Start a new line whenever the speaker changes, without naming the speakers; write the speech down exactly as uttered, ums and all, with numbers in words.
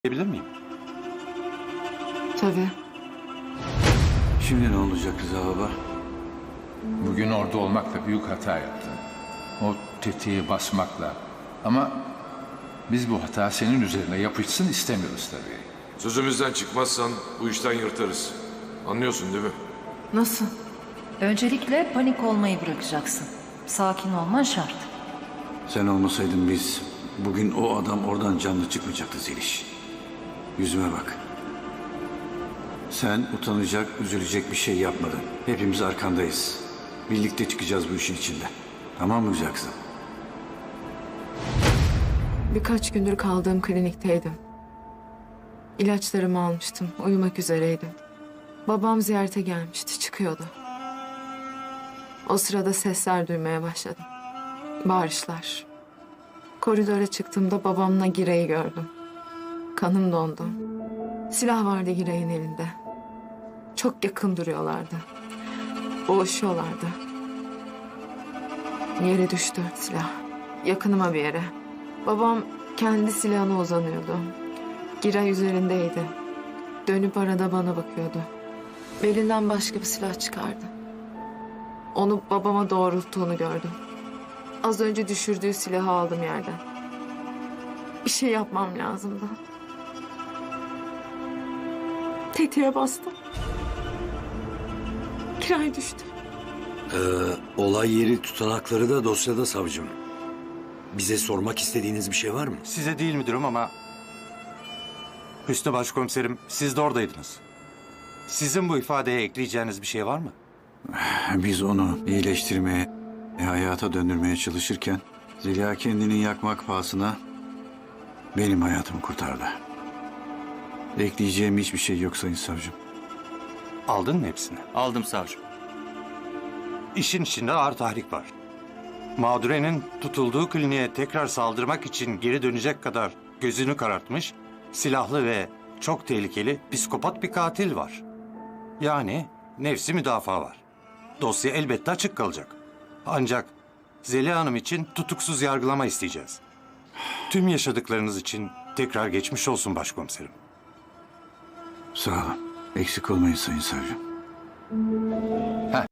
Bilir miyim?
Tabii.
Şimdi ne olacak Rıza baba?
Bugün orada olmakla büyük hata yaptın. O tetiği basmakla. Ama biz bu hata senin üzerine yapışsın istemiyoruz tabii.
Sözümüzden çıkmazsan bu işten yırtarız. Anlıyorsun değil mi?
Nasıl?
Öncelikle panik olmayı bırakacaksın. Sakin olman şart.
Sen olmasaydın biz, bugün o adam oradan canlı çıkmayacaktı Zeliş. Yüzüme bak. Sen utanacak, üzülecek bir şey yapmadın. Hepimiz arkandayız. Birlikte çıkacağız bu işin içinden. Tamam mı güzel kızım?
Birkaç gündür kaldığım klinikteydim. İlaçlarımı almıştım. Uyumak üzereydim. Babam ziyarete gelmişti. Çıkıyordu. O sırada sesler duymaya başladım. Bağırışlar. Koridora çıktığımda babamla Giray'ı gördüm. Kanım dondu. Silah vardı Giray'ın elinde. Çok yakın duruyorlardı. Boğuşuyorlardı. Yere düştü silah. Yakınıma bir yere. Babam kendi silahına uzanıyordu. Giray üzerindeydi. Dönüp arada bana bakıyordu. Belinden başka bir silah çıkardı. Onu babama doğrulttuğunu gördüm. Az önce düşürdüğü silahı aldım yerden. Bir şey yapmam lazımdı. Tetiğe bastım. Giray düştü.
Ee, olay yeri tutanakları da dosyada savcım. Bize sormak istediğiniz bir şey var mı?
Size değil müdürüm ama... Hüsnü Başkomiserim, siz de oradaydınız. Sizin bu ifadeye ekleyeceğiniz bir şey var mı?
Biz onu iyileştirmeye, hayata döndürmeye çalışırken... Zeliha kendini yakmak pahasına benim hayatımı kurtardı. Ekleyeceğim hiçbir şey yok Sayın Savcım.
Aldın mı hepsini?
Aldım savcım.
İşin içinde ağır tahrik var. Mağdurenin tutulduğu kliniğe tekrar saldırmak için geri dönecek kadar gözünü karartmış, silahlı ve çok tehlikeli psikopat bir katil var. Yani nefsi müdafaa var. Dosya elbette açık kalacak. Ancak Zeliha Hanım için tutuksuz yargılama isteyeceğiz. Tüm yaşadıklarınız için tekrar geçmiş olsun başkomiserim.
Sağ olun. Eksik olmayın Sayın Savcım.